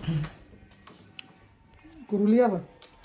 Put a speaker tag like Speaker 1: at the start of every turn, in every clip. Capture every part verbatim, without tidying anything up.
Speaker 1: Королєва.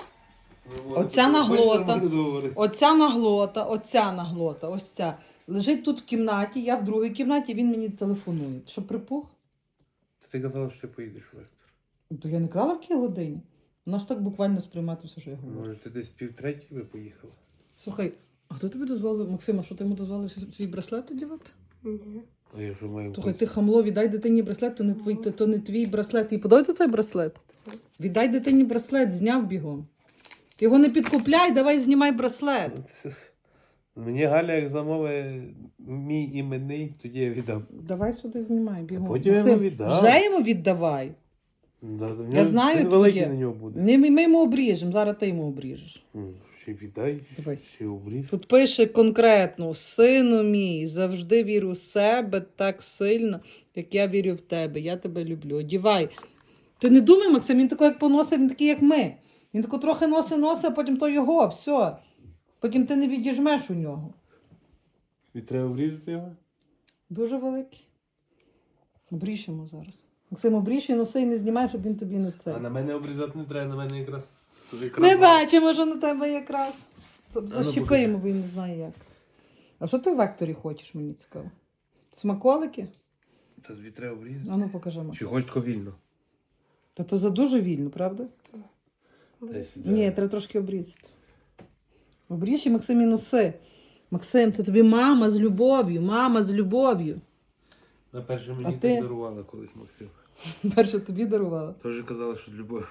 Speaker 1: Оця наглота, оця наглота, оця наглота, ось ця. Лежить тут в кімнаті, я в другій кімнаті, він мені телефонує. Що, припух?
Speaker 2: Ти казала, що ти поїдеш в Лектор.
Speaker 1: То я не крала в якій годині. Вона ж так буквально сприймати все, що я говорю.
Speaker 2: Може, ти десь півтретій би поїхала?
Speaker 1: Слухай, а хто тобі дозволив, Максима, що ти йому дозволив свій браслет одягати?
Speaker 3: Ні.
Speaker 2: А я вже маю...
Speaker 1: Слухай, ти хамло, віддай дитині браслет, то не твій, то, то не твій браслет. І подобається цей браслет? Віддай дитині браслет, зняв бігом. Його не підкупляй, давай знімай браслет.
Speaker 2: Мені Галя, як замовить мій іменний, тоді я віддам.
Speaker 1: Давай сюди знімай, бігом.
Speaker 2: Потім я йому віддам.
Speaker 1: Вже йому віддавай.
Speaker 2: Да, да,
Speaker 1: Я знаю,
Speaker 2: він
Speaker 1: твоє.
Speaker 2: великий на нього буде.
Speaker 1: Ми, ми йому обріжемо, зараз ти йому обріжеш.
Speaker 2: М, Ще віддай,
Speaker 1: Дивись.
Speaker 2: ще обріж.
Speaker 1: Тут пише конкретно: сину мій, завжди вірю в себе так сильно, як я вірю в тебе. Я тебе люблю. Одівай. Ти не думай, Максим, він такий, як поносить, він такий, як ми. Він тако трохи носить, носить, а потім то його, все. Потім ти не відіжмеш у нього.
Speaker 2: І треба обрізати його?
Speaker 1: Дуже великий. Обріжемо зараз. Максим, обріж і носи і не знімай, щоб він тобі не цей.
Speaker 2: А на мене обрізати не треба, на мене якраз... якраз
Speaker 1: Ми бачимо, що на тебе якраз.
Speaker 2: ну,
Speaker 1: Защіпаємо, бо він не знає як. А що ти в векторі хочеш, мені цікаво? Смаколики?
Speaker 2: Та тобі треба обрізати.
Speaker 1: А ну покажи, Максим.
Speaker 2: Чи хочеш тако вільно?
Speaker 1: Та то за дуже вільно, правда?
Speaker 2: Десь,
Speaker 1: Ні, треба трошки обрізати. Обріж і Максим і носи. Максим, це тобі мама з любов'ю, мама з любов'ю.
Speaker 2: На перше
Speaker 1: А
Speaker 2: мені
Speaker 1: ти?
Speaker 2: так дарувала колись Максим.
Speaker 1: Перше тобі дарувала.
Speaker 2: Теж казала, що любов.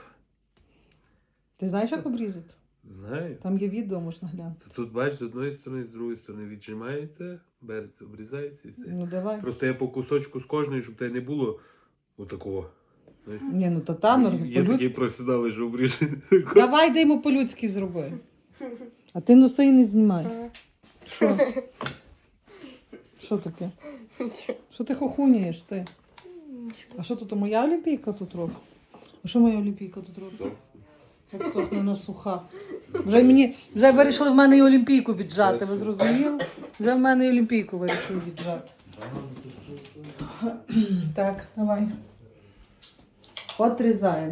Speaker 1: Ти знаєш, як обрізати?
Speaker 2: Знаю.
Speaker 1: Там є відео, можна глянути.
Speaker 2: Та тут, бачиш, з одної сторони, з другої сторони віджимається, береться, обрізається і все.
Speaker 1: Ну давай.
Speaker 2: Просто я по кусочку з кожної, щоб тебе не було отакого. Знаєш?
Speaker 1: Ні, ну то там, ну,
Speaker 2: Є такі
Speaker 1: по-людськи.
Speaker 2: професіонали, що обріжуть.
Speaker 1: Давай, дай йому по-людськи зроби. А ти носи і не знімай. Що? Що таке? Що ти хохуняєш ти? А що тут моя олімпійка тут робить? А що моя олімпійка тут робить? Як сохне на суха. Вже мені, вже вирішили в мене і олімпійку віджати, ви зрозуміли? Вже в мене і олімпійку вирішили віджати. Так, давай. Отрізаємо.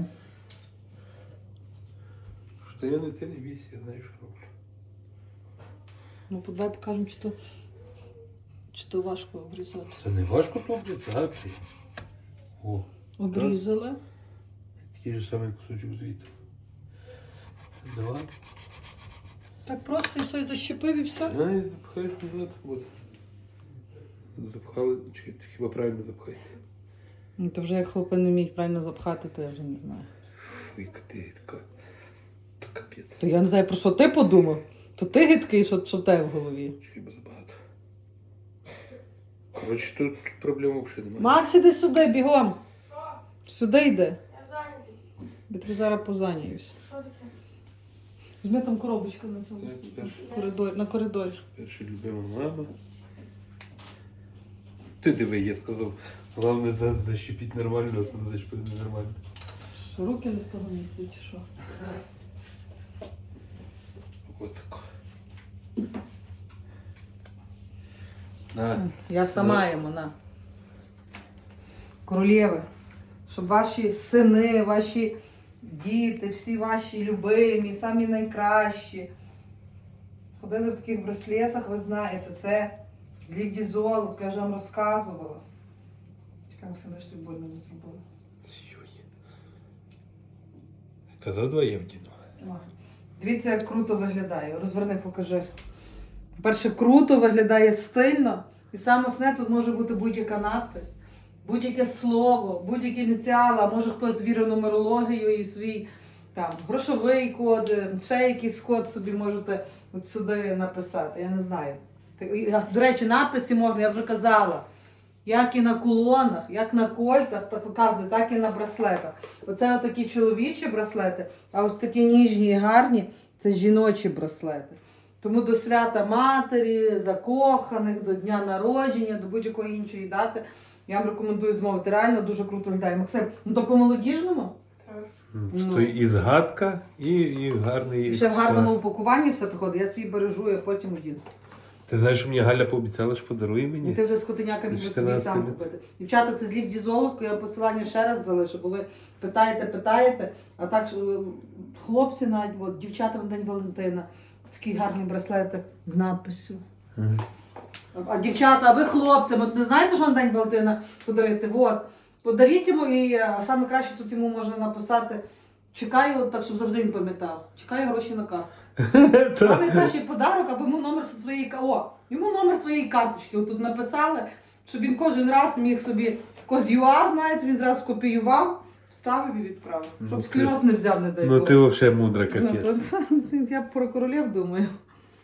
Speaker 2: Що я не ти не бійся, я знаю, що роблю.
Speaker 1: Ну, давай покажемо, чи то, чи то важко обрізати.
Speaker 2: Це не важко то обрізати. О,
Speaker 1: Обрізали.
Speaker 2: такий же самий кусочок звідти. Два.
Speaker 1: Так просто і все, і защепив, і все.
Speaker 2: А, і запхаєш назад. От. Запхали, чекайте, хіба правильно запхаєте?
Speaker 1: Ну, то вже як хлопці не вміють правильно запхати, то я вже не знаю.
Speaker 2: Фу, яка ти така. То капець.
Speaker 1: То я не знаю, про що ти подумав. То ти гидкий, що, що те в голові.
Speaker 2: Хіба забагато. Коротше, тут проблем взагалі немає.
Speaker 1: Макс, іди сюди, бігом. Сюди йди.
Speaker 3: Я зайнятий.
Speaker 1: Я тобі зараз позаняюсь.
Speaker 3: Що таке?
Speaker 1: Візьми там коробочку на цьому
Speaker 2: Так, тепер.
Speaker 1: коридорі, на коридорі.
Speaker 2: Перша любима мама. Ти диви, я сказав. Головне за- защепіть нормально, а це не защепити нормально.
Speaker 1: Що, руки не з того місця, чи що?
Speaker 2: Ось так. На.
Speaker 1: Я сама йому, на. Королєви, щоб ваші сини, ваші діти, всі ваші любимі, самі найкращі. Ходили в таких браслетах, ви знаєте, це з Лівді Золотка, я вже вам розказувала. Чекай, Максим, я ж тобі больно не зробила.
Speaker 2: Казав два я вдіну.
Speaker 1: Ой. Дивіться, як круто виглядає. Розверни, покажи. По-перше, круто виглядає стильно. І саме основне, тут може бути будь-яка надпис, будь-яке слово, будь-які ініціали, а може хтось вірив в нумерологію і свій там грошовий код, ще якийсь код собі можете от сюди написати. Я не знаю. До речі, надписи можна, я вже казала. Як і на кулонах, як на кольцях, так показую, так і на браслетах. Оце отакі чоловічі браслети, а ось такі ніжні і гарні – це жіночі браслети. Тому до свята матері, закоханих, до дня народження, до будь-якої іншої дати я вам рекомендую змовити. Реально дуже круто виглядає. Максим, ну то по-молодіжному?
Speaker 3: Так.
Speaker 2: Ну. То і згадка, і, і гарний...
Speaker 1: І ще в гарному упакуванні все приходить. Я свій бережу, я потім одіну.
Speaker 2: Ти знаєш, що мені Галя пообіцяла, що подарує
Speaker 1: І
Speaker 2: мені?
Speaker 1: ти вже з котеняками будеш собі
Speaker 2: чотирнадцяти
Speaker 1: сам
Speaker 2: літ.
Speaker 1: купити. Дівчата, це злів дізолодку, я посилання ще раз залишу, бо ви питаєте, питаєте, а так що, хлопці навіть, от, дівчатам на День Валентина, такий гарний браслетик з надписю.
Speaker 2: Мгм.
Speaker 1: А дівчата, а ви хлопцям, от не знаєте, що на День Валентина подарити? От, подаріть йому, і а, саме краще тут йому можна написати, чекаю, так, щоб завжди він пам'ятав, чекаю гроші на картці. Найкращий подарок, аби йому номер своєї ка- О, йому номер своєї карточки отут написали, щоб він кожен раз міг собі з ЮА, знаєте, він зразу копіював, вставив і відправив.
Speaker 2: Ну,
Speaker 1: Щоб
Speaker 2: ти-
Speaker 1: склероз не взяв, не дай
Speaker 2: Ну
Speaker 1: Бог.
Speaker 2: ти взагалі мудра
Speaker 1: Ну,
Speaker 2: капець.
Speaker 1: то це- Я про королів думаю.